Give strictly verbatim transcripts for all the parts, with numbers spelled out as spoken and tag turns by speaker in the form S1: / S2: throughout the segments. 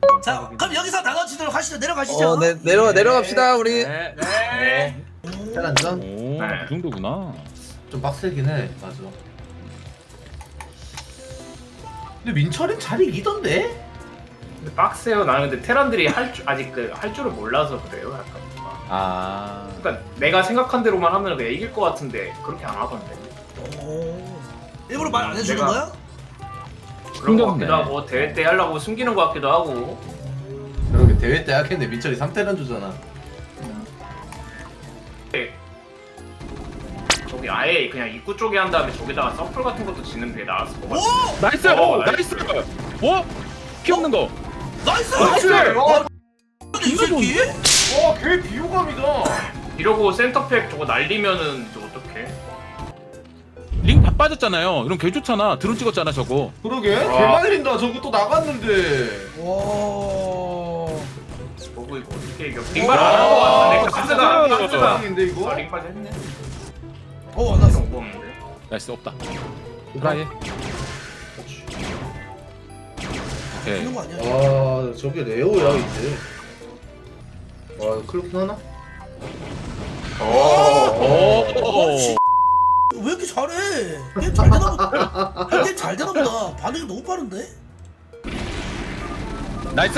S1: 자, 그럼 여기서 나눠지도록 하시죠. 내려가시죠.
S2: 어, 네, 내려 내려갑시다 우리.
S3: 네, 네.
S4: 테란전
S3: 오,
S5: 네.
S3: 그 정도구나.
S4: 좀 빡세긴 해. 맞아. 근데 민철은 잘 이기던데?
S5: 근데 빡세요. 나는 근데 테란들이 할 줄 아직 그 할 줄을 몰라서 그래요. 약간.
S3: 아,
S5: 그러니까 내가 생각한 대로만 하면 그냥 이길 것 같은데 그렇게 안 하던데.
S1: 오. 일부러 말 안 해주는
S5: 내가-
S1: 거야?
S5: 그런 것
S3: 숨겼네.
S5: 같기도 하고 대회 때 하려고 숨기는 것 같기도 하고.
S4: 그러게 대회 때 하겠네. 민철이 삼 테란 주잖아.
S5: 저기 아예 그냥 입구 쪽에 한 다음에 저기다가 서플 같은 것도 짓는 게 나았을 것 같아.
S1: 오!
S3: 나이스,
S5: 어,
S3: 나이스. 어? 피 없는 거.
S1: 나이스!
S5: 나이스!
S1: 어, 이 새끼?
S4: 와, 걔 비호감이다.
S5: 이러고 센터팩 저거 날리면은 저 어떡해?
S3: 링 다 빠졌잖아요. 이런 개 좋잖아. 드론 찍었잖아 저거.
S4: 그러게? 개
S5: 와.
S4: 말린다. 저거 또 나갔는데.
S1: 와.
S5: 저거 이거 어떻게 이겨? 링발 안 한 것 같은데 이거 카스가
S3: 진짜
S5: 카스가
S4: 인데 이거?
S5: 아 링까지 했네.
S1: 어, 안 났어.
S5: 너무 없는데.
S3: 나이스 없다. 드라이. 오케이.
S1: 이런 거 아니야?
S4: 아, 저게 레오야 이제. 와, 클로킹 하나?
S5: 오.
S3: 오.
S1: 씨. 왜 이렇게 잘해? 게임 잘 되나 보다. 게임 잘 되나 보다. 반응이 너무 빠른데?
S3: 나이스.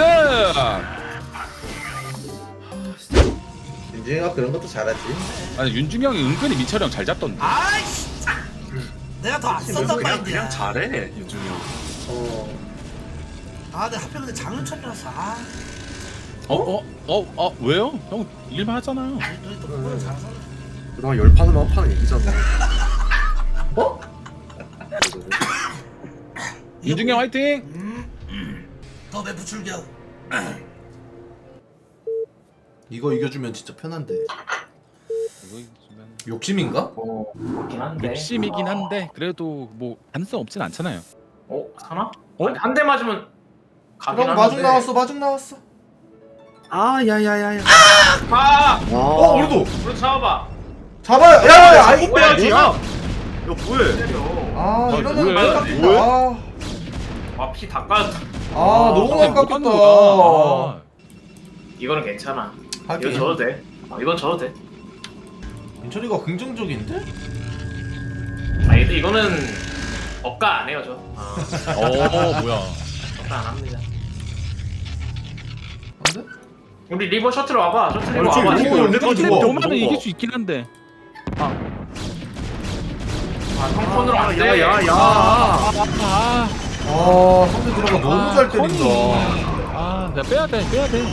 S4: 윤진이가 그런 것도 잘하지.
S3: 아니 윤중이 형이 은근히 민철이 형 잘 잡던데.
S1: 아이씨. 내가 더 앞선단 말인데.
S6: 잘해 윤중이 형.
S4: 어.
S1: 아, 내가 하필 근데 장윤철이라서. 아,
S3: 어? 어? 어? 어? 왜요? 형 일만 하잖아요.
S1: 너희 또 그걸 잘하잖아.
S6: 그동안 열 판을 한 판은 이기잖아.
S4: 어?
S3: 윤중이 형 화이팅!
S1: 음. 더 매부 출격.
S4: 이거 이겨주면 진짜 편한데.
S3: 이거 주면
S4: 욕심인가?
S5: 어, 그렇긴 한데.
S3: 욕심이긴 한데 그래도 뭐 가능성 없진 않잖아요.
S5: 어? 사나?
S3: 어?
S5: 한 대 맞으면 가긴
S4: 그럼
S5: 하는데.
S4: 마중 나왔어, 마중 나왔어.
S6: 아 야야야야.
S5: 아!
S4: 어, 우리도
S5: 우리 잡아봐.
S4: 잡아요. 야, 야, 아이.
S6: 이거 빼야지 야. 야 뭐해?
S5: 때려.
S4: 아,
S3: 아,
S4: 이러면
S3: 뭐해?
S4: 깜짝이다.
S3: 뭐해?
S4: 아,
S5: 아, 피 다 까졌다.
S4: 아, 너무
S3: 못
S4: 아깝다.
S3: 가는 거다. 아.
S5: 이거는 괜찮아. 이건
S4: 하긴.
S5: 져도 돼. 어, 이건 져도 돼.
S4: 민철이가 긍정적인데?
S5: 아니, 근데 이거는 억가 안 해요, 저.
S3: 어 뭐야?
S5: 억가 안 합니다.
S4: 안 돼?
S5: 우리 리버 셔틀 와봐. 셔틀 리버
S6: 아니,
S5: 와봐.
S6: 지금
S5: 지금.
S6: 리버
S3: 근데
S6: 좋아,
S3: 너만은
S6: 좋아.
S3: 이길 수 있긴 한데.
S5: 아, 성폰으로 안 돼.
S6: 야야야.
S3: 아,
S4: 아, 상대 들어가 너무
S3: 아,
S4: 잘 때린다.
S3: 아, 야 빼야 돼, 빼야 돼.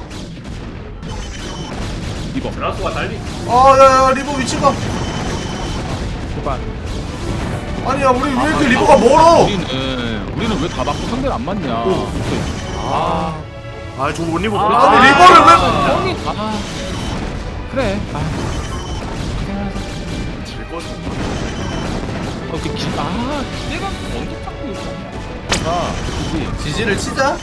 S3: 이거
S5: 드라소가 딸리.
S4: 아, 야, 야, 리버 위치가.
S3: 제발.
S4: 아니야, 우리 왜 이렇게 리버가 멀어?
S3: 우리는 우리는 왜 다 맞고 상대를 안 맞냐? 아,
S6: 아 저거 못 입어.
S3: 아,
S4: 아니, 리버를 왜-
S3: 형이 아, 그래. 아,
S6: 질 거지.
S3: 어, 그 기, 아, 기대가 언제 잡고 있어? 아, 그지.
S4: 지지를 치자.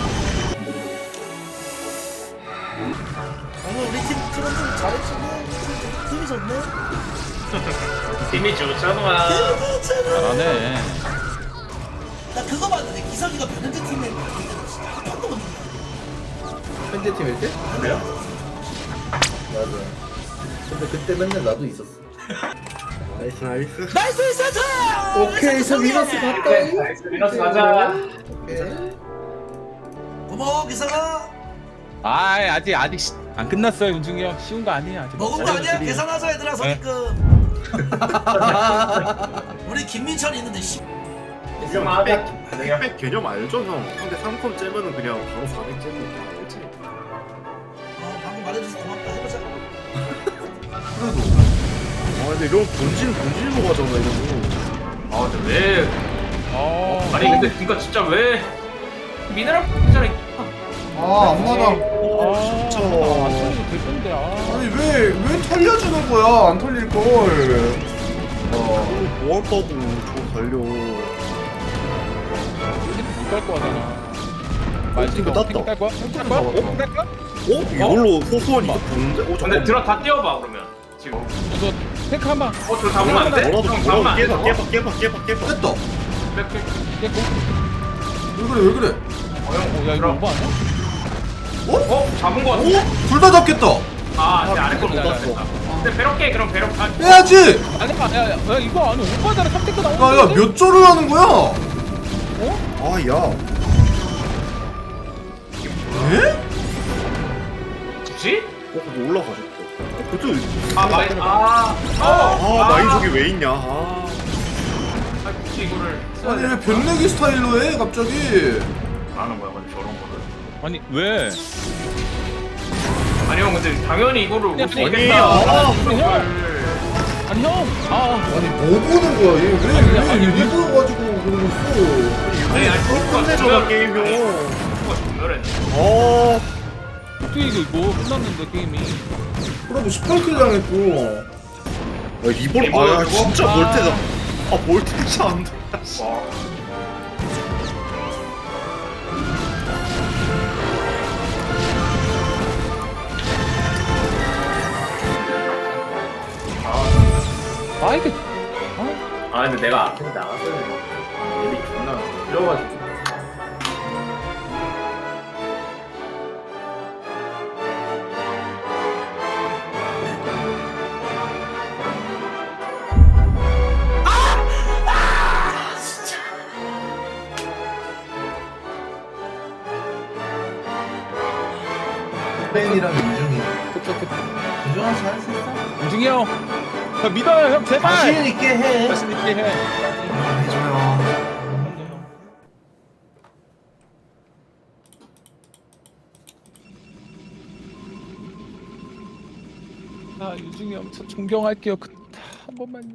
S1: 오늘 우리 팀 트론 좀 잘해주네. 팀이 좋네.
S5: 팀이 좋잖아.
S1: 팀이 좋네.
S3: 잘하네.
S1: 나 그거 봤는데 기석이가 변현재 팀에 한 판도 못 이겨.
S4: 현재 팀일 때?
S5: 그래요?
S4: 맞아. 근데 그때 맨날 나도 있었어.
S6: 나이스 나이스.
S1: 나이스 세트!
S4: 오케이, 저 미너스 갔다.
S5: 나이스, 미너스 가자.
S4: 오케이.
S1: 고마워 기석아.
S3: 아, 아직 아직 시, 안 끝났어요, 윤중이 형. 쉬운 거 아니야. 아직
S1: 먹은 거 아니야?
S3: 어려운 길이야.
S1: 계산하자 얘들아
S3: 네.
S1: 선입금. 우리 김민철이 있는데 씨.
S5: 형
S6: 백,
S5: 그냥
S6: 백 개념 알죠 형? 근데 삼 컴 째면은 그냥 바로 사백 째면 다 알지.
S1: 어, 방금 말해줘서 고맙다. 해보자.
S4: 그래도.
S6: 아 근데 이런 본진 본진으로 가잖아 이거.
S5: 아 근데 왜
S3: 어.
S5: 아니 근데 그니까 진짜 왜 미네랄 있잖아.
S4: 아, 안 맞아.
S3: 아,
S6: 진짜.
S3: 안 틀려도 될 건데. 아.
S4: 아니, 왜, 왜 털려주는 거야? 안 털릴걸. 어.
S6: 뭐 한다고 저거 달려.
S3: 못갈 거 같잖아. 말
S6: 핑크 땄다.
S3: 핑크 딸 거야? 핑크 딸 거야? 어? 핑크 딸 거야?
S6: 어? 이걸로 소소한 이득 보는데? 어
S5: 근데
S6: 잠깐만.
S5: 들어 다 띄워봐 그러면 지금.
S3: 이거 탱크 한 방.
S5: 어 저 잡으면 안 돼?
S6: 뭐라도
S5: 형
S6: 뭐라도
S5: 잡으면 안 돼?
S6: 깨봐 깨봐 깨봐 깨봐 깨봐.
S4: 됐다.
S5: 백, 백.
S3: 깼고.
S4: 왜 그래, 왜 그래?
S3: 어, 야 이거 오버 아니야?
S5: 어? 잡은 거 같은데?
S4: 둘 다 잡겠다.
S5: 아, 내 아래 걸못
S3: 못
S5: 봤어. 근데 배럭게 그럼 배럭 아,
S4: 해야지.
S3: 아니 야, 야, 야 이거 아니 오버잖아. 삼 대가 나오는
S4: 야야 몇 조를 하는 거야?
S6: 아야
S4: 에?
S5: 굳이?
S6: 어 근데 올라가졌어 어, 그것도
S5: 아, 마이, 아,
S6: 아
S5: 어,
S6: 마인족이 왜 있냐 아
S5: 아, 굳이 이거를 써야
S4: 아니
S5: 돼.
S4: 왜 변내기 스타일로 해 갑자기?
S5: 하는 거야, 근데 저런 거를.
S3: 아니 왜?
S5: 아니 형, 근데 당연히 이거를 올 수
S3: 아니,
S5: 있겠다.
S6: 아,
S5: 이걸.
S3: 아니 형. 아
S4: 아니 뭐 보는 거야 얘?
S3: 아니,
S4: 왜
S3: 왜-
S4: 리버 가지고 그러고 있어?
S5: 아니, 아니, 그거
S6: 끝내줘라 게임 형
S5: 그거 전멸했네.
S6: 어
S3: 어떻게 이거 이거 끝났는데 게임이.
S4: 그래도 십팔 킬 당했고.
S6: 야, 리볼
S5: 리볼
S6: 아야
S5: 그거?
S6: 진짜
S3: 아.
S6: 볼테다 아 볼테지 안돼
S5: 와.
S3: 아 이게
S5: 아, 근데 내가 앞에 나갔어야 돼. 얘들이 존나 끌려가지고.
S4: 벤이랑 윤중이.
S3: 좋겠다.
S4: 윤중아 잘할수 있어?
S3: 우중이 형. 형 믿어요 형 제발.
S4: 자신 있게 해.
S3: 자신 있게 해.
S4: 해줘요.
S3: 아 유중이 형 저 존경할게요. 그, 한 번만요.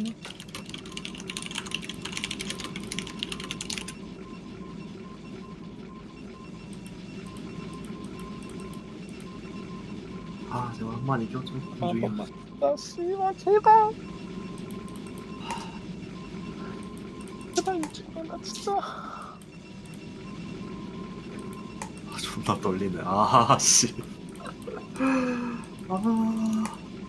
S6: 아 제발 한번 이겨줘
S3: 한 번만. 나 씨발 제발. 제발 유중이 형, 나 진짜.
S6: 아 존나 떨리네 아씨 아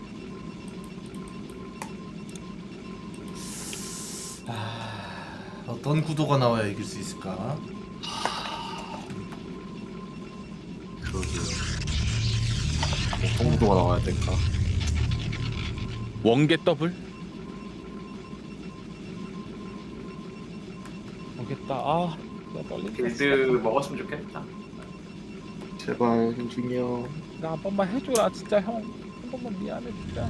S4: 어떤 구도가 나와야 이길 수 있을까?
S6: 그러게요 어떤 구도가 나와야 될까
S3: 원개 더블? 모르겠다. 아, 나 떨린다.
S5: 빌드 먹었으면 좋겠다.
S6: 제발 현중이 형
S3: 나 한 번만 해줘라, 진짜 형. 한 번만 미안해, 진짜.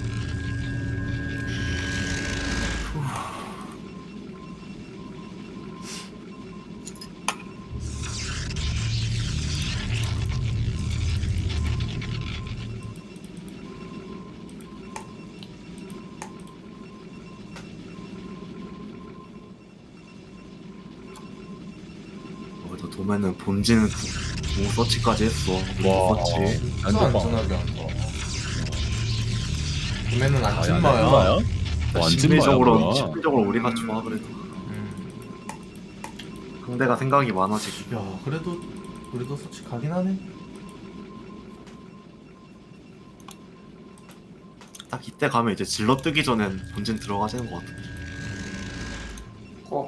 S6: 그래도 도매는 본진 무 서치까지 했어 무 서치
S4: 진짜 안전하게 한다. 구매는 안 찐마야.
S3: 완전
S6: 심리적으로
S3: 마야, 뭐야.
S6: 심리적으로 우리가 좋아 그래도
S4: 음.
S6: 상대가 생각이 많아지기
S4: 야 그래도 그래도 서치 가긴 하네.
S6: 딱 이때 가면 이제 질러 뜨기 전엔 본진 들어가지는 것 같아
S5: 어.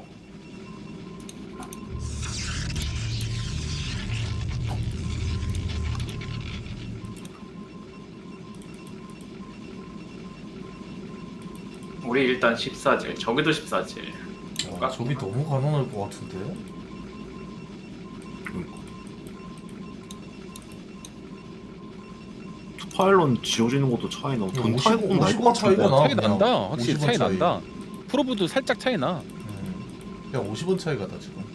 S5: 우리 일단 십사질, 저기도 십사질.
S4: 야, 저기 너무 가난할 것 같은데.
S6: 파일론 지워지는 것도 차이 나. 돈
S4: 오십
S6: 타이고
S4: 오십
S6: 날것
S4: 원 차이가
S6: 같은데.
S4: 나.
S3: 차이
S4: 그냥
S3: 난다. 확실히
S4: 오십 원
S3: 차이
S4: 차이.
S3: 난다. 프로브도 살짝 차이 나.
S4: 음. 그냥 오십 원 차이가 나 지금.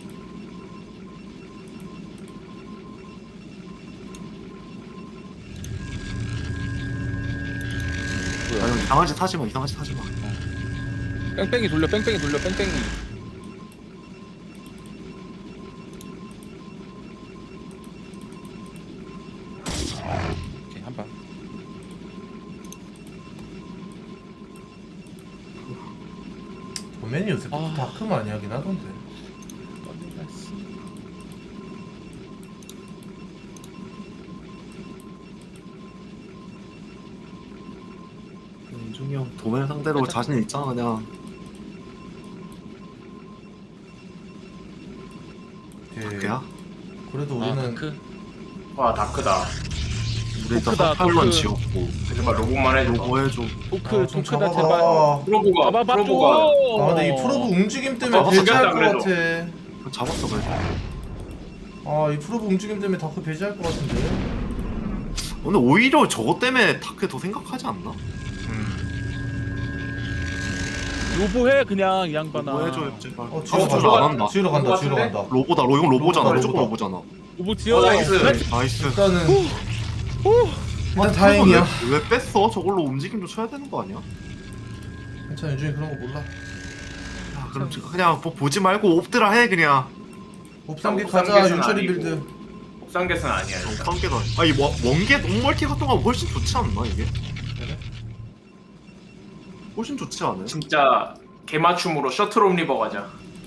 S6: 아니 이상한 짓 하지 마. 이상한 짓 하지 마.
S3: 뺑뺑이 돌려, 뺑뺑이 돌려, 뺑뺑이. 오케이, 한 방.
S4: 도맨이 요새
S3: 아.
S4: 다크 많이 하긴 하던데.
S3: 떨린다, 씨.
S6: 윤중이 형 도매 상대로 자신 있잖아 그냥.
S4: 오케이.
S6: 그야?
S4: 그래도
S3: 아
S4: 우리는
S3: 다크.
S5: 와 다크다.
S6: 우리 일단
S3: 토크다,
S6: 팔런
S3: 토크.
S6: 지었고
S5: 제발 로봇만 해줘.
S6: 요거 해줘.
S3: 토크
S4: 아, 좀
S3: 토크다
S4: 잡아봐.
S3: 제발.
S5: 프로브가
S3: 잡아봐 줘.
S5: 프로브가
S4: 아 근데 이 프로브 움직임 때문에
S5: 아,
S4: 배제할 것
S5: 그래도.
S4: 같아.
S6: 잡았어 그래도.
S4: 아 이 프로브 움직임 때문에 다크 배제할 것 같은데.
S6: 근데 오히려 저거 때문에 다크 더 생각하지 않나?
S3: 로보해 그냥 이 양반아.
S6: 뭐 해줘요 제발.
S4: 어
S6: 아,
S4: 지으러
S6: 저거
S4: 간다.
S6: 안 한다.
S4: 지으러 간다.
S5: 그거
S4: 지으러
S5: 같은데?
S4: 간다.
S6: 로보다 로 이건 로보잖아.
S4: 로보다,
S6: 무조건
S4: 로보다.
S6: 로보잖아.
S3: 로보 지어.
S5: 어, 나이스.
S6: 나이스.
S4: 일단은
S3: 후.
S4: 일단 다행이야.
S6: 왜 뺐어? 저걸로 움직임도 쳐야 되는 거 아니야?
S4: 괜찮아 요즘에 그런 거 몰라.
S6: 야, 그럼 저- 그냥 뭐 보지 말고 옵드라 해 그냥.
S4: 옵삼기
S5: 옵삼
S4: 가자
S5: 개수는
S4: 윤철이
S5: 아니고.
S4: 빌드.
S5: 옥상계선 아니야 일단.
S6: 깜개다. 아니 원 원개 원멀티 같은 거 훨씬 좋지 않나 이게?
S4: 그래?
S6: 훨씬 좋지 않아요?
S5: 진짜 개맞춤으로 셔틀 옴리버 가자.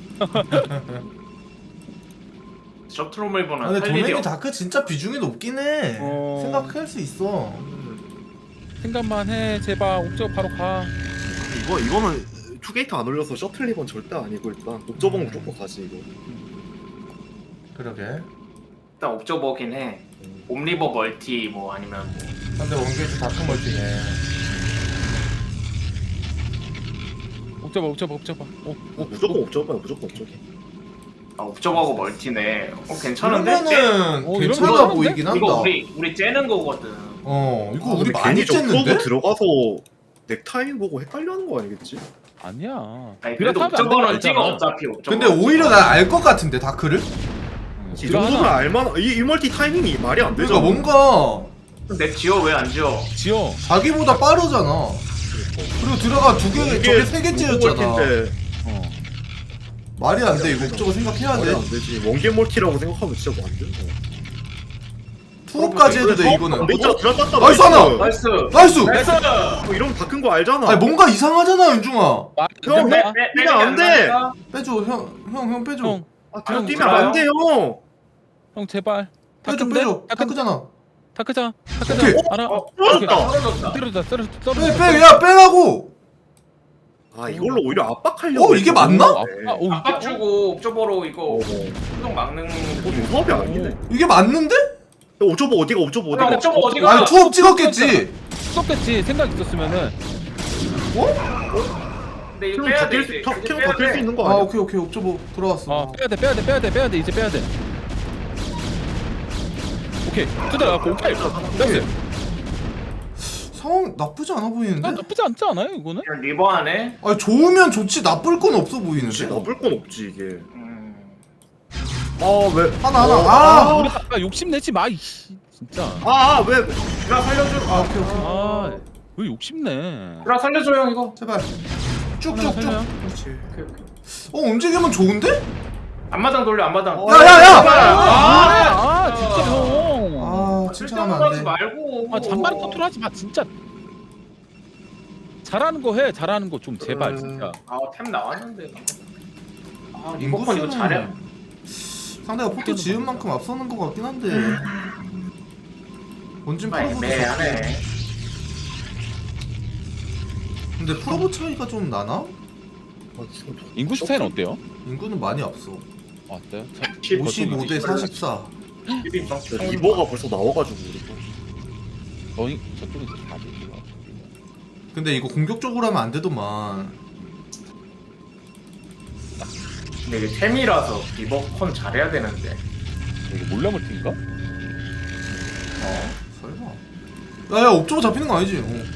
S5: 셔틀 옴리버는
S4: 아, 근데
S5: 할 일이
S4: 도맨이
S5: 없.
S4: 다크 진짜 비중이 높긴 해.
S3: 어.
S4: 생각할 수 있어.
S3: 생각만 해 제발 옥저 바로 가.
S6: 이거 이거는 투게이트 안 올려서 셔틀 리번 절대 아니고 일단 옥저봉
S4: 음.
S6: 무조건 가지 이거.
S4: 그러게.
S5: 일단 옵저버긴 해. 옴리버 멀티 뭐 아니면 뭐.
S4: 근데 원게이트 다크 멀티네.
S3: 옥저 봐 옥저 봐 옥저 봐. 어, 어,
S6: 무조건 옥저봉이야 무조건 옥저봉.
S5: 아 옵저버하고 멀티네. 어 괜찮은데? 쟤-
S4: 그러면은
S3: 어, 이런
S4: 괜찮아
S3: 거
S4: 보이긴 한다.
S5: 이거 우리 우리 째는 거거든.
S4: 어 이거
S6: 아,
S4: 우리
S6: 근데
S4: 많이
S6: 괜히 저
S4: 쨌는데?
S6: 프로브 들어가서 넥타임 보고 헷갈려하는 거 아니겠지?
S3: 아니야.
S5: 아니 그래도
S3: 그렇다면 안
S5: 옵저버는
S3: 되는
S5: 찍어
S3: 거 알잖아.
S5: 어차피 옵저버.
S4: 근데 오히려 난 알 것 같은데 다크를?
S3: 응,
S6: 이
S3: 지어
S6: 정도면
S3: 하나.
S6: 알만 이, 이 멀티 타이밍이 말이 안 되잖아.
S4: 그러니까 뭔가
S5: 내 지어 왜 안 지어?
S3: 지어.
S4: 자기보다 빠르잖아. 그리고 들어가 두 개, 저게 세 개째였잖아.
S6: 멀티인데
S3: 어.
S4: 말이 안 돼. 이거 저거 생각해야
S6: 말이 안
S4: 돼.
S6: 되지. 원개 멀티라고 생각하면 진짜 뭐 안 된다.
S4: 투업까지 해도 돼 이거는.
S6: 진짜 들어갔다.
S4: 나이스 하나!
S5: 나이스.
S4: 나이스!
S5: 나이스.
S6: 어, 이러면 다 큰 거 알잖아.
S4: 아니 뭔가 이상하잖아 윤중아.
S3: 말
S6: 형,
S3: 안 된다.
S5: 빼- 빼-
S6: 이거 안 돼.
S5: 나니까?
S4: 빼줘 형 형 형 빼줘.
S3: 형,
S6: 아, 뒤로
S3: 형,
S6: 뛰면 안 돼, 형.
S3: 형 제발.
S4: 빼줘
S3: 다크인데?
S4: 빼줘.
S3: 다크
S4: 다크잖아.
S3: 다크자.
S4: 오케이.
S3: 다크자. 알아.
S5: 어,
S3: 오케이.
S6: 떨어졌다.
S5: 떨어졌다.
S3: 떨어졌다. 떨어졌다. 떨어졌다.
S4: 빼 빼 야 빼라고.
S6: 아, 이걸로 오히려 압박하려고.
S4: 어, 이게
S6: 했어.
S4: 맞나?
S3: 아, 아, 오,
S5: 압박
S3: 이게
S5: 주고 옵저버로 이거
S6: 어, 어.
S5: 수동 막는.
S6: 어, 조합이 아니네.
S4: 이게 맞는데?
S6: 오조보 어디가 오조보
S5: 야,
S6: 어디가?
S5: 옵저버 어디가?
S4: 아니 투업 찍었겠지.
S3: 썼겠지. 생각 있었으면은.
S5: 근데 이거
S6: 형
S5: 빼야
S6: 다
S5: 돼.
S6: 뛸 수,
S5: 이제.
S6: 형
S5: 이제
S6: 형
S5: 빼야
S6: 다 뛸 수
S5: 돼.
S6: 있는 거
S4: 아
S6: 아니야?
S4: 오케이 오케이 옵저버 들어왔어.
S3: 아 빼야 돼 빼야 돼 빼야 돼 빼야 돼 이제 빼야 돼. 오케이 투자 나고 오케이. 나이스.
S4: 상황 나쁘지 않아
S3: 아,
S4: 보이는데?
S3: 나쁘지 않지 않아요 이거는?
S5: 그냥 리버 하네.
S4: 아니 좋으면 좋지 나쁠 건 없어
S6: 그렇지,
S4: 보이는데?
S6: 나쁠 건 없지 이게.
S5: 음.
S6: 아 왜?
S4: 하나 하나
S6: 어,
S4: 아!
S3: 우리 아까 욕심 내지 마 이씨 진짜.
S6: 아, 아 왜?
S5: 드라 살려줘.
S4: 아 오케이 오케이
S3: 아왜 욕심내?
S5: 드라 살려줘 형 이거.
S4: 제발
S3: 하나
S4: 쭉쭉쭉
S3: 살려.
S6: 그렇지.
S5: 오케이, 오케이.
S4: 어 움직이면 좋은데?
S5: 앞마당 돌려 앞마당.
S6: 어,
S4: 야야야!
S3: 아, 아 진짜 형.
S4: 아 칭찬하면
S5: 하지
S4: 안돼
S5: 말고.
S3: 아 잔바리 컨트롤 하지 마 진짜. 잘하는 거 해 잘하는 거 좀 제발
S6: 음.
S3: 진짜.
S5: 아템 나왔는데. 아 리버컨 이거
S4: 인구수는
S5: 잘해.
S4: 상대가 포토 지은 만큼 앞서는 것 같긴 한데 원진
S5: 정말
S4: 프로보도
S5: 애매하네.
S4: 좋고 근데 프로보 차이가 좀 나나?
S6: 아, 지금
S3: 인구 스타일은 어때요?
S4: 인구는 많이 앞서
S3: 아, 어때요? 자,
S4: 오십오 대 사십사
S6: 진짜 리버가 벌써 나와가지고 우리가.
S3: 저희 저쪽에서 다 되죠.
S4: 근데 이거 공격적으로 하면 안 되더만
S5: 근데 이게 템이라서 리버컨 잘해야 되는데.
S3: 이게 몰라물팀인가?
S4: 어 설마 야야 옵저버 잡히는 거 아니지? 어.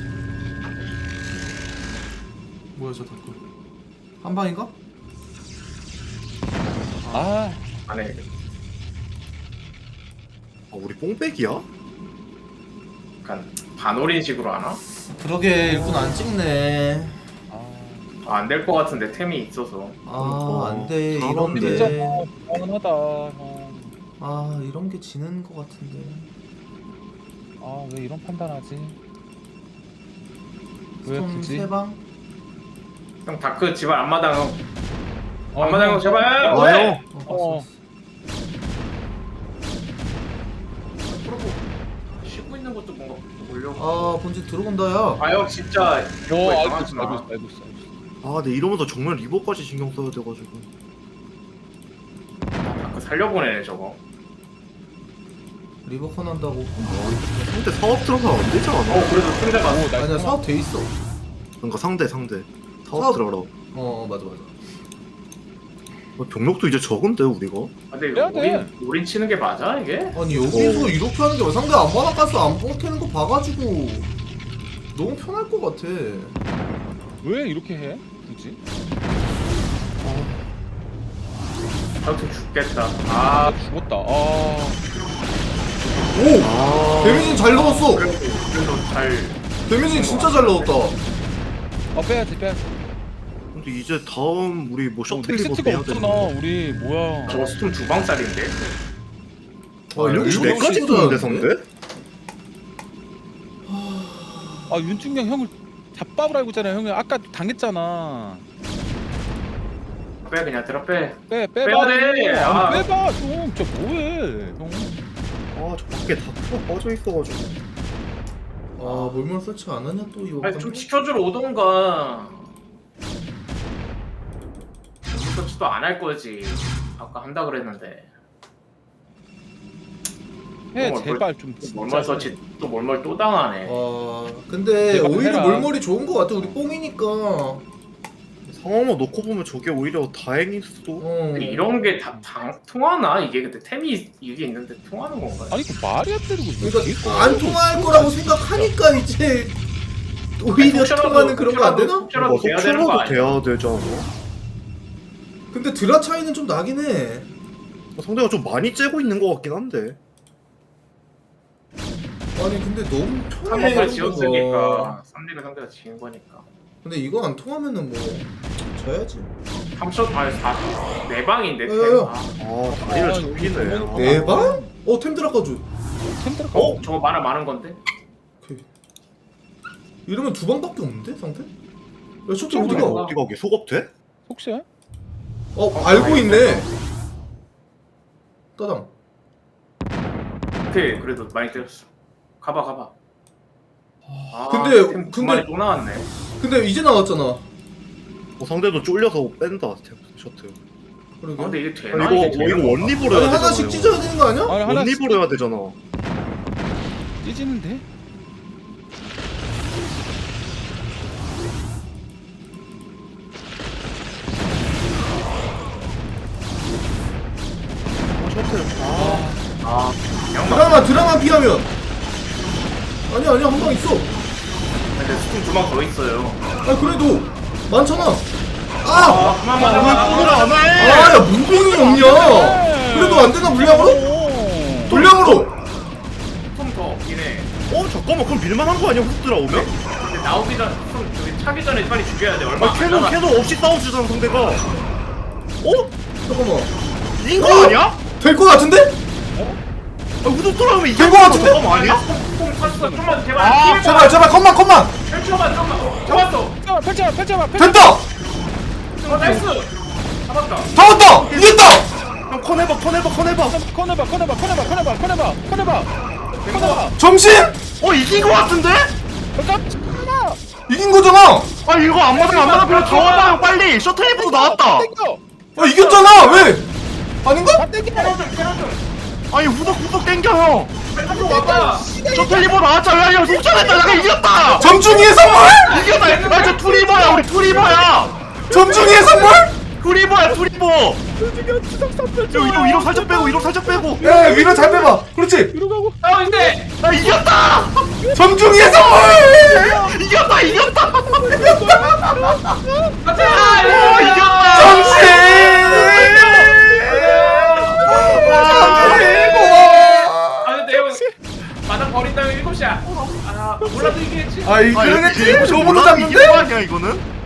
S4: 뭐야 저 다크 한 방인가?
S3: 아,
S5: 안해.
S6: 아 우리 뽕백이야?
S5: 약간 반올인식으로 하나?
S4: 그러게 일꾼 안 찍네
S3: 아,
S5: 아, 안 될 것 같은데 템이 있어서.
S4: 아 안돼
S6: 아,
S3: 진짜
S4: 이런데
S3: 불안하다 형.
S4: 아 이런 게 지는 것 같은데
S3: 아, 왜 이런 판단하지? 왜
S4: 스톰
S3: 굳이?
S4: 세방
S5: 형 다크 집안 앞마당 형.
S3: 어,
S5: 앞마당 형 제발.
S6: 아,
S5: 왜?
S6: 형.
S4: 어,
S3: 어.
S5: 프로보 쉬고 있는 것도 뭔가 올려.
S4: 아 본진 들어온다 야
S5: 아 형 진짜.
S3: 어,
S5: 이거에
S3: 알고
S5: 당하지
S3: 있어,
S5: 마.
S3: 알고 있어, 알고 있어, 알고 있어.
S6: 아, 근데 이러면서 정말 리버까지 신경 써야 돼가지고.
S5: 다크 살려보내네 저거.
S4: 리버컨 한다고.
S6: 상대 사업 들어가면 안 되지 않아?
S5: 어 그래도 상대 봤어.
S3: 오 나이스.
S4: 아니야 사업 돼 있어.
S6: 그러니까 상대 상대 사업
S4: 사업-
S6: 들어가라.
S4: 어, 어 맞아 맞아.
S6: 어, 병력도 이제 적은데 우리가?
S5: 아, 근데
S3: 해야 돼.
S5: 우린 우린 치는 게 맞아 이게?
S4: 아니 여기서 이렇게 하는 게 상대 안 받아가서 안 뽑히는 거 봐가지고 너무 편할 것 같아.
S3: 왜 이렇게 해? 굳이?
S5: 아무튼 죽겠다.
S3: 아
S5: 아
S3: 죽었다. 아
S4: 오!
S6: 아
S4: 데미지는 잘 넣었어.
S5: 그래도 그래도 잘.
S4: 데미지는 진짜 잘 넣었다.
S3: 어, 빼야지 빼야지.
S6: 근데 이제 다음 우리 뭐
S3: 어,
S6: 셔틀리버
S3: 넥스트가
S6: 빼야
S3: 없잖아.
S6: 되는데.
S3: 우리 뭐야?
S5: 저거 스톰 두 방짜리인데.
S4: 와,
S6: 이런
S4: 일곱
S6: 몇 가지
S4: 시
S6: 뜨는데
S4: 잖아.
S6: 상대?
S3: 아 윤중경 형을 잡밥을 알고 있잖아. 형이 아까 당했잖아.
S5: 빼 그냥 들어 빼.
S3: 빼
S5: 빼야
S3: 빼봐.
S5: 돼.
S3: 아니,
S5: 아.
S3: 빼봐 좀. 저 뭐해 형?
S6: 아저 밖에 다크가 빠져 있어가지고.
S4: 아 몰몰 설치 안 하냐 또 이거.
S5: 아니 좀 지켜주러 오던가. 서치도 안 할 거지. 아까 한다 그랬는데.
S3: 해
S5: 뭘,
S3: 제발 좀.
S5: 몰몰 서치 또 몰몰 또 당하네.
S4: 아 근데
S3: 제발
S4: 오히려
S3: 해라.
S4: 몰몰이 좋은 것 같아. 우리 뽕이니까.
S6: 상황만 놓고 보면 저게 오히려 다행일 수도.
S4: 어.
S5: 근데 이런 게 다 통하나? 이게 근데 템이 이게 있는데 통하는 건가?
S3: 아니 그 말이 안 되는 거지.
S4: 그러니까 안 통할 거라고 생각하니까 이제 오히려
S5: 혹시라도-
S4: 통하는 그런 거 안 되나?
S5: 혹시라도
S6: 뭐
S5: 돼야 되는 거
S6: 속출라도
S5: 아니야?
S6: 돼야 되잖아.
S4: 근데 드라 차이는 좀 나긴 해.
S6: 상대가 좀 많이 째고 있는 것 같긴 한데.
S4: 아니 근데 너무 편해.
S5: 삼 번을
S4: 이런
S5: 지었으니까 삼 링을 상대가 지은 거니까.
S4: 근데 이거 안 통하면은 뭐 져야지.
S5: 삼 점 아니 사 네 방인데 템.
S4: 어,
S5: 아,
S6: 아 다리를
S3: 아,
S6: 잡히네.
S3: 이거
S6: 아.
S4: 네 방? 어 템 들어가줘.
S3: 템 들어가.
S5: 어? 저거 많아 많은 건데?
S4: 오케이. 이러면 두 방밖에 없는데 상대? 야 쇼트
S5: 좀
S4: 어디가?
S5: 들어가.
S6: 어디가 어디 속업 돼?
S3: 혹시야?
S4: 어 알고 있네. 따당.
S5: 오케이 그래도 많이 때렸어. 가봐 가봐. 아,
S4: 근데-
S5: 템 두
S4: 근데-
S5: 마리 또 나왔네.
S4: 근데 이제 나왔잖아.
S6: 어, 상대도 쫄려서 뺀다 셔틀.
S4: 그러게.
S5: 아, 근데 이게
S6: 아,
S5: 되나?
S6: 이거
S5: 이게
S6: 어,
S5: 되나?
S6: 이거 원리브로
S4: 아니
S6: 해야 되잖아.
S4: 하나씩 찢어야 되는 거 아니야?
S3: 아니 하나
S6: 원리브로 해야 되잖아.
S3: 찢지는데?
S6: 아, 셔틀. 아,
S5: 아 양말.
S4: 드라마 드라마 피하면. 아니 아니야 한 방 있어.
S5: 근데 스팀 두방 더 있어요.
S4: 아 그래도 많잖아. 아!
S5: 아 그만 맞아.
S6: 왜 안 해?
S4: 아야 문봉이 없냐? 그래도 안 되나 물량으로?
S3: 오.
S4: 물량으로.
S5: 좀더 없긴 해.
S6: 어 잠깐만 그럼 밀만한 거 아니야 훅 들어오면?
S5: 근데 나오기 전, 좀 저기 차기 전에 빨리 죽여야 돼. 얼마
S6: 아
S5: 안
S6: 캐논
S5: 남았-
S6: 캐논 없이 싸워주잖아 상대가. 어?
S4: 잠깐만.
S6: 이긴 거 아니야?
S4: 될 거 같은데?
S6: 아 우도 돌아오면 이긴
S4: 될 거 같은데?
S6: 잠깐만 아니야?
S5: 뽕 탔어. 좀만 제발.
S6: 아,
S5: 피해봐.
S4: 제발 제발 컴만 컴만.
S5: 펼쳐봐 좀만. 어, 잡았어.
S3: 펼쳐봐 펼쳐봐 펼쳐봐 펼쳐봐.
S4: 됐다.
S5: 어 나이스. 잡았다.
S4: 다 왔다. 이겼다.
S6: 형 커내봐 커내봐 커내봐.
S3: 커내봐 커내봐 커내봐 커내봐 커내봐 커내봐 커내봐.
S4: 정신?
S6: 어 이긴 거 같은데?
S3: 깜짝이야.
S4: 이긴 거잖아.
S6: 아 이거 안 맞아 안 맞아 그냥 다 와봐 형 빨리 셔틀리프도 나왔다.
S3: 땡겨.
S4: 아 이겼잖아. 왜? 아닌가?
S3: 다 땡겨.
S5: 캐논 좀 캐논 좀.
S6: 아니 후덕 후덕 땡겨 형.
S5: 빨리 와봐.
S6: 셔틀리프 나왔잖아 야 속전했다 내가 이겼다.
S4: 점중이의 선물?
S6: 이겼다. 아저 투리버야 우리 투리버야.
S4: 점중이의 선물?
S6: 투리버야 투리버. 저 위로 위로 살짝 빼고 위로 살짝 빼고.
S4: 야 위로 잘 빼봐. 그렇지.
S3: 뒤로 가고.
S5: 아 근데
S6: 나 이겼다.
S4: 점중이의 선물.
S6: 이겼다 이겼다.
S5: 가자.
S6: 오 이겼다.
S4: 정신.
S5: 아 근데 형 마당 버린다면 일곱 시야. 아 몰라도 이기겠지.
S4: 아 이기겠지? 저보다
S6: 이긴 거
S4: 잡는데?
S6: 아니야 이거는?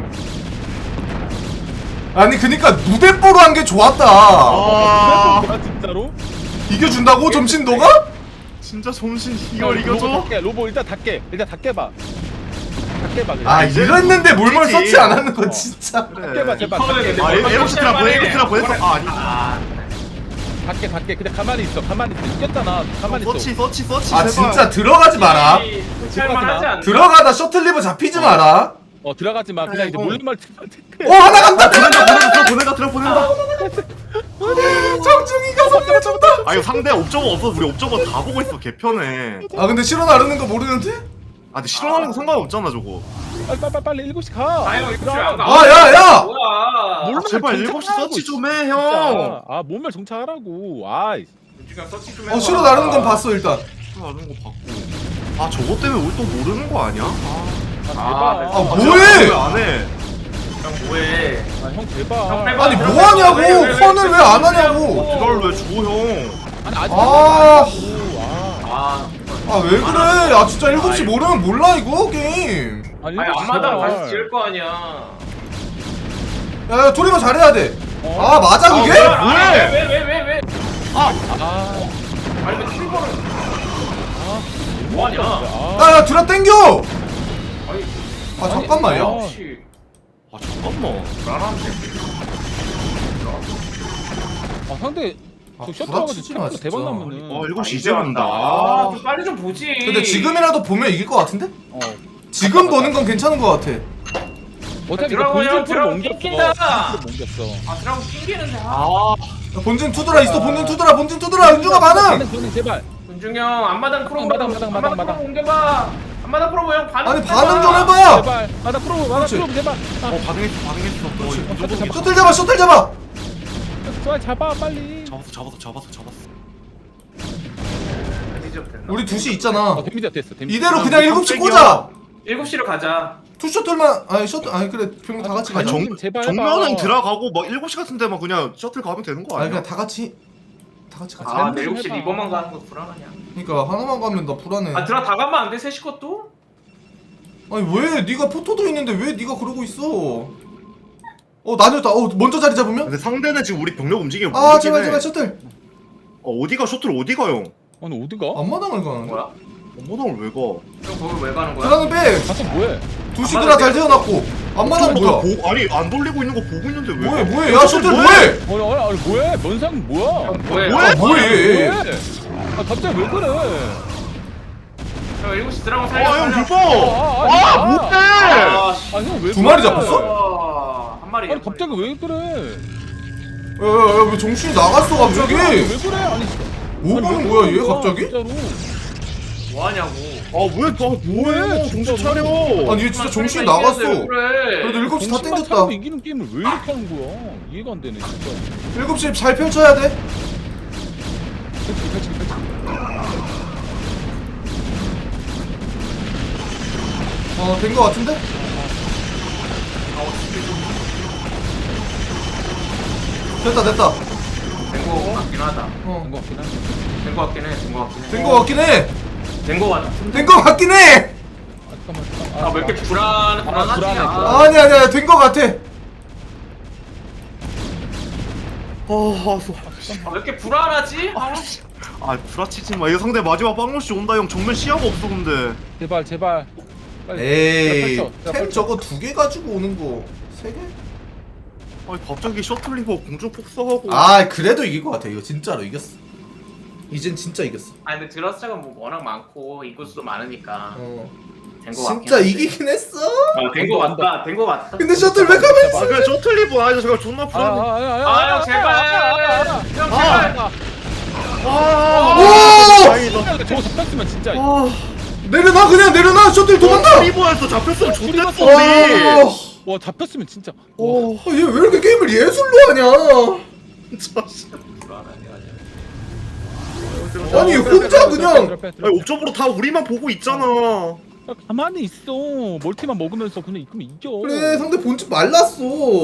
S4: 아니 그니까 무대뽀로 한 게 좋았다.
S6: 아
S3: 아 진짜로?
S4: 이겨준다고 점심 너가?
S6: 진짜 정신 이걸
S3: 로보
S6: 이겨줘?
S3: 닫게 로보 일단 닫게 일단 닫게 봐. 닫게 봐.
S4: 아
S6: 이제
S4: 이랬는데 몰몰
S6: 이기지.
S4: 서치 안 하는 거 진짜.
S3: 닫게 봐 제발.
S5: 이거는
S3: 닫게
S5: 근데
S6: 아
S5: 뭐-
S6: 에어시트라 보내 에어시트라 보냈어? 아 아니
S5: 아
S3: 닫게 닫게 그냥 가만히 있어 가만히 있어 이겼잖아 가만히 있어.
S6: 서치 서치 서치
S4: 아
S6: 제발.
S4: 진짜 들어가지 마라.
S5: 살만하지 않나?
S4: 들어가다 셔틀리버 잡히지 마라.
S3: 어 들어가지 마 그냥 이제
S6: 형.
S3: 몰래 말.
S4: 어 하나 간다.
S6: 보낸다 보낸다 들어 보낸다 들어 보낸다.
S4: 정중이가 선물 준다.
S6: 아 이거 상대 옵저버 없어서 우리 옵저버 다 보고 있어 개편해.
S4: 아 근데 실어 나르는 거 모르는데?
S6: 아 근데 실험하는 거 상관없잖아 저거.
S3: 빨리 빨리 빨리 일곱 시 가.
S5: 아유 이거 안 가.
S4: 아, 야, 야!
S5: 뭐야?
S6: 아, 제발 일곱 시 서치 좀 해 형.
S3: 진짜. 아 몸을 정착하라고. 아이.
S5: 윤중형 서치 좀
S4: 어
S5: 해봐.
S4: 실어 나르는 건 봤어 일단.
S6: 실험하는 거 봤고. 아 저거 때문에 우리 또 모르는 거 아니야?
S3: 아,
S4: 아,
S3: 대박.
S4: 뭐해?
S6: 왜 안 해?
S5: 형 뭐해?
S3: 아, 형 대박.
S5: 형 빼봐.
S4: 아니 뭐 하냐고!
S5: 왜, 왜, 왜,
S4: 컨을 왜 안
S5: 왜,
S4: 하냐고!
S6: 이걸 왜 줘 형?
S3: 아니 아직
S4: 아.
S3: 아.
S5: 아,
S4: 아 왜 그래? 아 진짜 일곱 시 모르면 몰라 이거 게임.
S3: 아니
S5: 아니
S3: 일곱 시
S5: 앞마당
S3: 제발.
S5: 다시 지을 거 아니야.
S4: 야 토리가 잘해야 돼.
S3: 어?
S4: 아 맞아 그게?
S5: 왜왜왜 왜 왜?
S3: 아.
S5: 아니 왜 트리거를?
S3: 아.
S5: 뭐하냐?
S3: 아.
S4: 야야 드라 땡겨!
S5: 아니
S4: 아 잠깐만요.
S3: 어.
S5: 혹시
S6: 아 잠깐만.
S5: 나한테
S3: 아 상대
S4: 아,
S3: 저 셔틀
S4: 구라치지 마,
S3: 가지고 대박
S4: 진짜.
S3: 나면은.
S6: 어 일곱 시
S5: 아,
S6: 이제 본다.
S5: 아, 좀 빨리 좀 보지.
S4: 근데 지금이라도 보면 이길 것 같은데?
S3: 어.
S4: 지금 보는 건 괜찮은 것 같아.
S3: 어차피 이거
S5: 드라곤 형,
S3: 본진 프로
S5: 드라곤
S3: 옮겼어.
S5: 낑긴다.
S3: 본진 프로 옮겼어.
S5: 아 드라곤 낑기는데. 아.
S6: 아
S4: 야, 본진 투드라 있어 본진 투드라 본진 투드라 은중아 반응!
S3: 반응 반응 제발.
S5: 윤중형 앞마당 프로
S3: 마당, 마당, 마당, 마당.
S5: 프로 옮겨봐. 앞마당 프로 형 반응.
S4: 아니
S5: 해봐.
S4: 반응 좀 해봐!
S3: 제발. 마당 프로 마당
S4: 그렇지.
S3: 프로 제발. 아.
S6: 어 반응했어 반응했어. 어 이거
S3: 셔틀 잡아.
S4: 셔틀 잡아 셔틀 잡아!
S3: 좋아 잡아 빨리.
S6: 잡았어 잡았어 잡았어 잡았어.
S5: 디저트 됐나?
S4: 우리 두 시 있잖아.
S3: 어 데미지 됐어. 데미지.
S4: 이대로 그냥 일곱 시
S6: 깜짝이야.
S4: 꽂아!
S5: 일곱 시로 가자.
S4: 투 셔틀만 아니 셔틀 아니 그래 병다 같이
S3: 아니,
S4: 가자.
S6: 정-
S3: 정 제발.
S6: 정면은
S3: 해봐.
S6: 들어가고 막 일곱 시 같은 데만 그냥 셔틀 가면 되는 거
S4: 아니
S6: 아니야?
S4: 그냥 다 같이 다 같이 가자.
S5: 아,
S3: 잘못
S5: 내
S3: 좀
S5: 일곱 시
S3: 해봐.
S5: 리버만 가는 거 불안하냐?
S4: 그러니까 하나만 가면 나 불안해.
S5: 아 드라 다 가면 안 돼? 셋시 것도?
S4: 아니 왜 네가 포토도 있는데 왜 네가 그러고 있어? 어 나뉘었다. 어 먼저 자리 잡으면?
S6: 근데 상대는 지금 우리 병력 움직이면
S4: 아
S6: 모르긴
S4: 제발
S6: 해.
S4: 제발 셔틀.
S6: 어 어디가 셔틀 어디가 형?
S3: 아니 어디가?
S4: 앞마당을 가는데.
S5: 뭐야?
S6: 엄마당을 왜 가?
S5: 형 거기 왜 가는 거야?
S4: 드라는 빼.
S3: 가서 뭐해?
S4: 두 시드라 잘 태어났고 앞마당
S6: 저
S4: 뭐야?
S6: 보, 아니 안 돌리고 있는 거 보고 있는데 왜?
S4: 뭐해
S6: 가?
S4: 뭐해 야 셔틀 뭐해?
S3: 아니 아니 아니 뭐해? 면상 뭐야?
S5: 형 뭐해?
S6: 뭐해?
S4: 아 뭐해?
S3: 뭐해? 아 갑자기 왜 그래?
S5: 형 일곱 시 드라곤 살려.
S6: 아형
S5: 살려.
S6: 불법!
S3: 아, 아니,
S6: 아
S3: 아.
S6: 못해!
S5: 아, 씨.
S3: 아형왜
S4: 두 마리 잡혔어?
S5: 와, 한 마리.
S3: 아니 갑자기 왜 그래?
S4: 야야야 왜 정신이 나갔어 갑자기?
S3: 왜 그래? 아니
S4: 뭐
S3: 아니,
S4: 보는
S3: 왜
S4: 거야
S3: 그러는
S4: 얘
S3: 거야,
S4: 갑자기?
S3: 진짜로.
S5: 뭐 하냐고.
S6: 아왜 너 뭐해? 정신 차려!
S4: 아니 얘 진짜 정신이 나갔어.
S5: 그래.
S4: 그래도 일곱 시 다
S3: 정신만
S4: 땡겼다.
S3: 차리고 이기는 게임을 왜 이렇게 하는 거야? 이해가 안 되네 진짜.
S4: 일곱 시 잘 펼쳐야 돼.
S3: 펼치기 펼치기 펼치기.
S4: 어된 거 같은데? 됐다 됐다.
S5: 된거 같긴 하다.
S4: 어.
S3: 된거 같긴 한데.
S5: 된 거 같긴 해. 된 거 같긴 해.
S4: 된 거 같긴 해.
S5: 된 거 같아.
S4: 된 거 같긴 해.
S3: 아 잠깐만 잠깐만.
S5: 아 왜 이렇게 불안 불안하지?
S3: 불안해,
S5: 아,
S3: 불안해.
S4: 아니 아니야 된 거 같아.
S6: 아,
S5: 아, 왜 이렇게 불안하지? 아, 씨.
S6: 아 구라치지 마. 이거 상대 마지막 빵로시 온다 형. 정면 시야가 없어 근데.
S3: 제발 제발. 빨리.
S4: 에이
S3: 펼쳐, 자,
S4: 템
S3: 펼쳐.
S4: 저거 두 개 가지고 오는 거 세 개?
S6: 아니 갑자기 셔틀리버 공중 폭사하고.
S4: 아 그래도 이길 것 같아 이거 진짜로 이겼어. 이젠 진짜 이겼어.
S5: 아 근데 드러스가 뭐 워낙 많고 인구수도 많으니까
S4: 어.
S5: 된 거 같긴
S4: 진짜
S5: 한데.
S4: 이기긴 했어.
S5: 아, 된거 같다. 된 거 같다.
S4: 근데 셔틀 왜 가면
S6: 아 그래 셔틀리버 아니 제가 존나 불안해.
S5: 아, 형 제발. 형 제발.
S6: 아,
S4: 오!
S6: 다행이다.
S3: 저거 잡혔으면 진짜.
S6: 아,
S4: 내려놔 그냥 내려놔 셔틀 도망가.
S6: 셔틀리버에서 잡혔으면 좋댔어
S4: 와,
S6: 우리.
S3: 와 잡혔으면 진짜.
S6: 오,
S4: 얘 왜 이렇게 게임을 예술로 하냐?
S6: 진짜. 씨.
S5: 불안하게 하자.
S4: 아니 혼자 그냥
S6: 아니 옵저버로 다 우리만 보고 있잖아.
S3: 야, 가만히 있어. 멀티만 먹으면서 그냥 그럼 이겨.
S4: 그래 상대 본집 말랐어.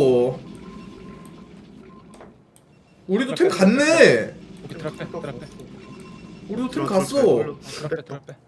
S4: 우리도 템 갔네.
S3: 오케이 드랍 빼 드랍 빼
S4: 우리도 템 갔어.
S3: 드랍 빼 드랍 빼.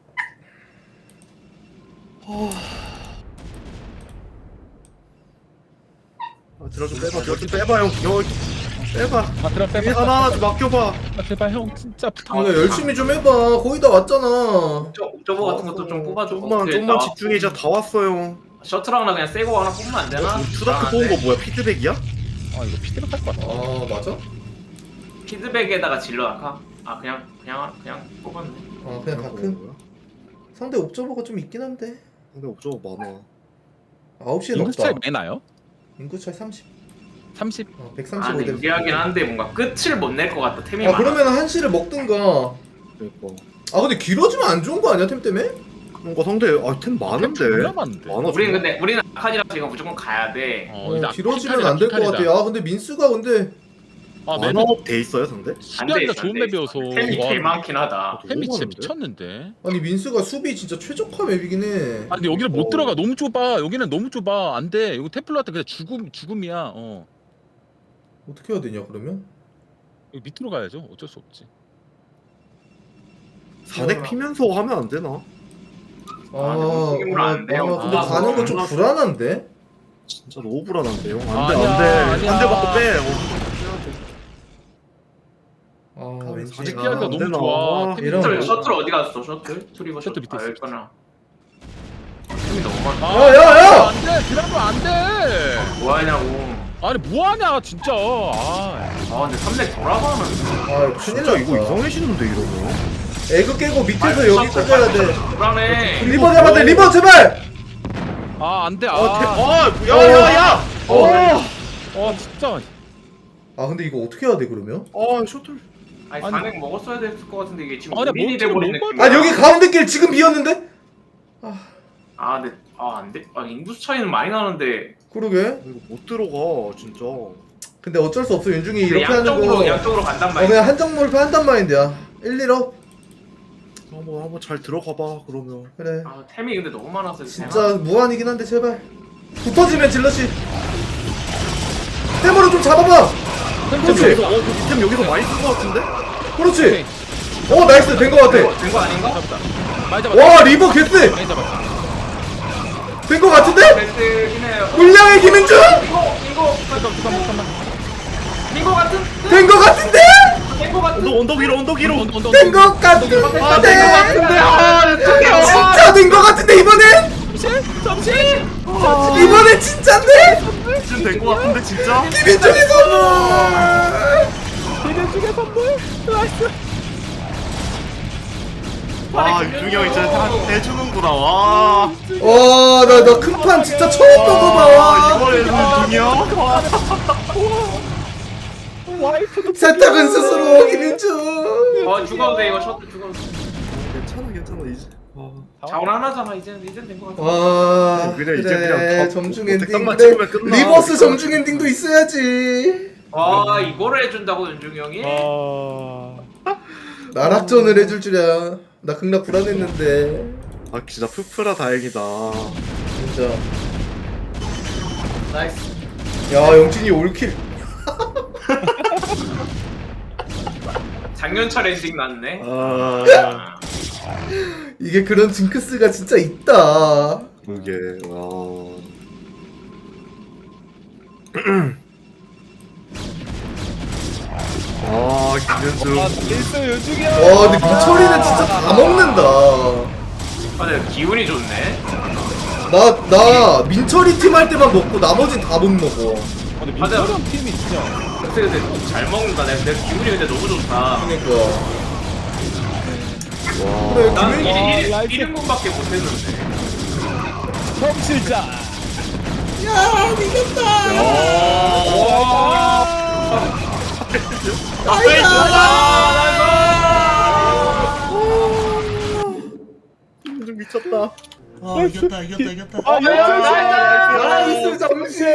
S6: 아, 들어 좀 빼봐, 들어 좀 빼봐 형. 형 빼봐.
S3: 아 드랍 빼.
S6: 일 하나 하나 좀 맡겨봐.
S3: 아 제발 형 진짜 부탁.
S4: 아, 열심히 좀 해봐. 거의 다 왔잖아.
S5: 저 옵저버 같은 것도 좀 뽑아줘.
S6: 좀만
S5: 어떻게
S6: 좀만
S5: 나왔고.
S6: 집중해. 이제 다 왔어요.
S5: 셔틀 하나 그냥 새거 하나 뽑으면 안 되나?
S6: 투다크 뽑은 거 뭐야? 피드백이야?
S3: 아 이거 피드백 할거 같아.
S4: 아 맞아?
S5: 피드백에다가 질러 아까? 아 그냥 그냥 그냥 뽑았네.
S4: 아 그냥 가끔.
S6: 뭐야?
S4: 상대 옵저버가 좀 있긴 한데.
S6: 근데 옵저버 많아.
S4: 아홉 시엔
S3: 인구 차이
S4: 없다.
S3: 많이 나요?
S4: 인구 차이 삼십.
S3: 삼십.
S4: 어,
S5: 아
S4: 백삼십오
S5: 근데
S4: 대.
S5: 유리하긴 한데 뭔가 끝을 못 낼 것 같다 템이
S4: 아
S5: 많아.
S4: 그러면 한시를 먹든가.
S6: 그러니까
S4: 아 근데 길어지면 안 좋은 거 아니야 템 때문에?
S6: 뭔가 상대 아템 많은데
S3: 존나 많은데.
S6: 많아.
S5: 우리는
S6: 정말.
S5: 근데 우리는 아칸이라 지금 무조건 가야 돼.
S3: 어,
S4: 어,
S3: 이제
S4: 길어지면 안 될 것 같아. 아 근데 민스가 근데
S3: 아, 맵이
S6: 만화업 돼 있어요 상대?
S3: 수비하기가 좋은 맵이어서.
S5: 템이
S3: 와,
S5: 개 많긴 하다.
S3: 템이 진짜
S6: 너무 많은데?
S3: 미쳤는데.
S4: 아니 민스가 수비 진짜 최적화 맵이긴 해.
S3: 아 근데 여기를 못
S6: 어.
S3: 들어가. 너무 좁아. 여기는 너무 좁아. 안 돼. 이거 테플러한테 그냥 죽음 죽음이야. 어.
S4: 어떻게 해야 되냐 그러면?
S3: 여기 밑으로 가야죠. 어쩔 수 없지.
S6: 사넥 피면서 하면 안 되나?
S4: 아,
S5: 아, 근데 움직임으로
S4: 아,
S5: 안 돼요.
S4: 아, 근데
S3: 아,
S4: 가는 거 좀
S6: 아,
S4: 불안한데?
S6: 진짜 너무 불안한데요.
S3: 아니야,
S6: 안돼 안돼
S3: 아니야.
S6: 안돼 맞고 빼.
S4: 아
S6: 아,
S4: 왠지
S6: 사직
S4: 아,
S3: 피하기가
S6: 안
S3: 너무
S6: 되나?
S3: 좋아.
S6: 아,
S3: 템이
S4: 이런
S3: 너무
S5: 셔틀,
S3: 좋아.
S5: 셔틀 어디 갔어? 셔틀? 트리버
S3: 셔틀
S5: 셔틀
S3: 밑에
S5: 아
S3: 있어.
S5: 여기구나. 템이 너무 많아.
S3: 아,
S4: 야, 야, 야!
S3: 안 돼. 드라마 안 돼.
S5: 뭐하냐고.
S3: 아니 뭐 하냐 진짜. 아.
S5: 아 근데 삼렉 돌아가는.
S4: 아 큰일
S6: 진짜
S4: 났다.
S6: 이거 이상해지는데 이러면.
S4: 에그 깨고 밑에서 여기 꽂아야 돼.
S5: 불안해.
S4: 리버 잡아야 돼 리버 제발!
S3: 아, 안 돼. 아.
S6: 아 야야야!
S4: 어.
S3: 어, 진짜.
S4: 아 근데 이거 어떻게 해야 돼 그러면?
S6: 아 셔틀.
S5: 아니
S3: 아니.
S5: 사넥 먹었어야 됐을 것 같은데 이게 지금
S3: 아니,
S5: 우린이
S3: 몬스터를
S5: 돼버린
S3: 못
S5: 느낌이야.
S4: 아 여기 가운데 길 지금 비었는데?
S5: 아 근데 아 안돼. 아 인구수 차이는 많이 나는데.
S4: 그러게.
S6: 이거 못 들어가 진짜.
S4: 근데 어쩔 수 없어 윤중이
S5: 근데
S4: 이렇게 하는
S5: 양쪽으로
S4: 거.
S5: 양쪽으로 간단
S4: 어
S5: 말이야.
S4: 그냥 한정몰표 한단 마인드야. 일, 일업
S6: 한번 한번 잘 들어가봐 그러면.
S4: 그래.
S5: 아 템이 근데 너무 많아서
S4: 진짜 무한이긴 한데 제발. 붙어지면 질럿이. 템으로 좀 잡아봐.
S6: 템
S4: 그렇지.
S6: 여기서 어, 템 여기서 많이 쓴 것 같은데?
S4: 그렇지. 어 나이스 된 거 같아.
S5: 된거 아닌가?
S3: 잡았다. 많이 잡았다.
S4: 와 리버 개쎄.
S3: 많이 잡았다.
S4: 된 거 같은데?
S5: 베스트긴 해요.
S4: 물량의 김민준?
S5: 이거 이거
S3: 잠깐 잠깐만 잠깐만.
S5: 된거 같은?
S4: 된 거 같은데?
S5: 된거 같은?
S6: 언덕 언덕 위로 언덕 위로.
S3: 언더, 언더,
S4: 된
S3: 언더.
S4: 거 같은데?
S5: 아, 된거 같은데. 아 어떡해요.
S4: 진짜 된 거 같은데 이번엔?
S3: 잠시.
S4: 이번엔 진짜인데?
S6: 지금 된것 같은데 진짜?
S4: 김민준의 선물!
S3: 대전 중에 선물. 나이스.
S6: 와 윤중이 형 진짜 다 해주는구나 와.
S4: 와, 나, 나 큰 판 진짜 처음
S6: 와
S4: 먹어봐.
S6: 이번에는 윤중이 형? 와.
S3: 와이프도
S4: 세탁은 스스로 김민준.
S5: 어 죽어도 돼 이거 셔틀 죽어도 돼.
S6: 괜찮아 괜찮아 이제. 와.
S5: 자원 하나잖아 이제는 이제는 된거 같아.
S4: 와,
S6: 그래,
S4: 그래,
S6: 이제 그냥 더-
S4: 점중
S6: 더
S4: 엔딩.
S6: 백상만
S4: 그래,
S6: 찍으면 끝나.
S4: 리버스 점중 엔딩도 있어야지.
S5: 와 이거를 해준다고 윤중이 형이?
S3: 아.
S4: 나락전을 해줄 줄이야. 나 극락 불안했는데.
S6: 아 진짜 푸프라 다행이다.
S4: 진짜.
S5: 나이스.
S4: 야, 영진이 올킬.
S5: 작년철 엔딩 났네.
S6: 아
S5: 아.
S4: 이게 그런 징크스가 진짜 있다.
S6: 그게 와. 아 김현중.
S3: 일승 요중이야.
S4: 와, 근데 민철이는 진짜 다 먹는다.
S5: 아 근데 기운이 좋네.
S4: 나, 나 민철이 팀 할 때만 먹고 나머진 다 못 먹어.
S3: 근데
S5: 맞아.
S3: 민철이 형 팀이 진짜.
S5: 근데 근데 잘 먹는다. 내, 내 기운이 근데 너무 좋다.
S4: 그러니까.
S6: 와.
S4: 그래,
S5: 난
S4: 김민-
S3: 아,
S5: 일
S3: 라이트.
S5: 인 분밖에 못했는데.
S3: 성실자.
S4: 야, 이겼다.
S6: 김현중 미쳤다.
S1: 와 이겼다 이겼다 이겼다.
S3: 아,
S4: 나이스 정신.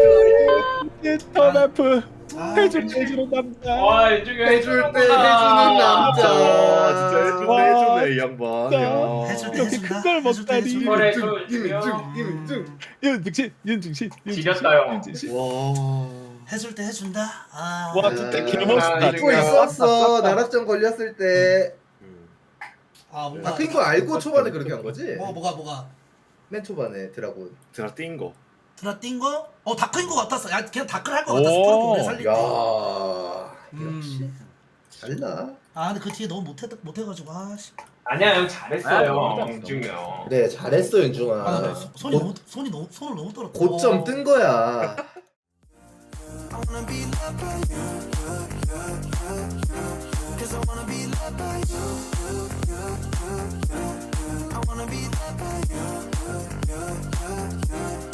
S3: 인터넷프.
S1: 아,
S3: 해줄 때 해주는 남자.
S5: 와 윤중이 형
S4: 해줄 때
S5: 해주는구나.
S4: 해주는 남자.
S6: 와 진짜 해주네
S3: 와,
S6: 해주네 이 양반.
S3: 진짜.
S6: 야.
S1: 해줄 때
S3: 이렇게
S1: 해준다.
S3: 큰걸
S1: 해줄 때
S3: 먹다니.
S1: 해준다.
S5: 그래,
S4: 김민중,
S5: 그
S4: 김민중, 김민중.
S3: 윤중신, 윤중신, 윤중신.
S5: 지렸다, 형.
S3: 윤중신.
S6: 와.
S1: 해줄 때 해준다. 아.
S3: 와, 진짜
S4: 아,
S3: 개멋있다.
S4: 잊고 있었어. 나락전 걸렸을 때.
S1: 아 뭔가.
S4: 아, 그거 알고 초반에 그렇게 한 거지?
S1: 뭐 뭐가 뭐가.
S4: 맨 초반에 드라군.
S6: 제가 뛴 거.
S1: 드라 뛴 거? 어 다크인 거 같았어. 야 그냥 다크를 할 거
S3: 오.
S1: 같았어. 프로토 오래 살릴 때.
S4: 야,
S1: 음.
S4: 역시 달라.
S1: 아 근데 그 뒤에 너무 못해 못해가지고 아씨.
S5: 아니야 형
S3: 아,
S5: 잘했어요.
S3: 맞아.
S5: 윤중이 형.
S4: 그래, 잘했어 윤중아.
S1: 아, 나 손- 손이
S4: 고-
S1: 너무 손이 너무 손을 너무 떨었다.
S4: 고점 뜬 거야.
S7: I wanna be loved by you.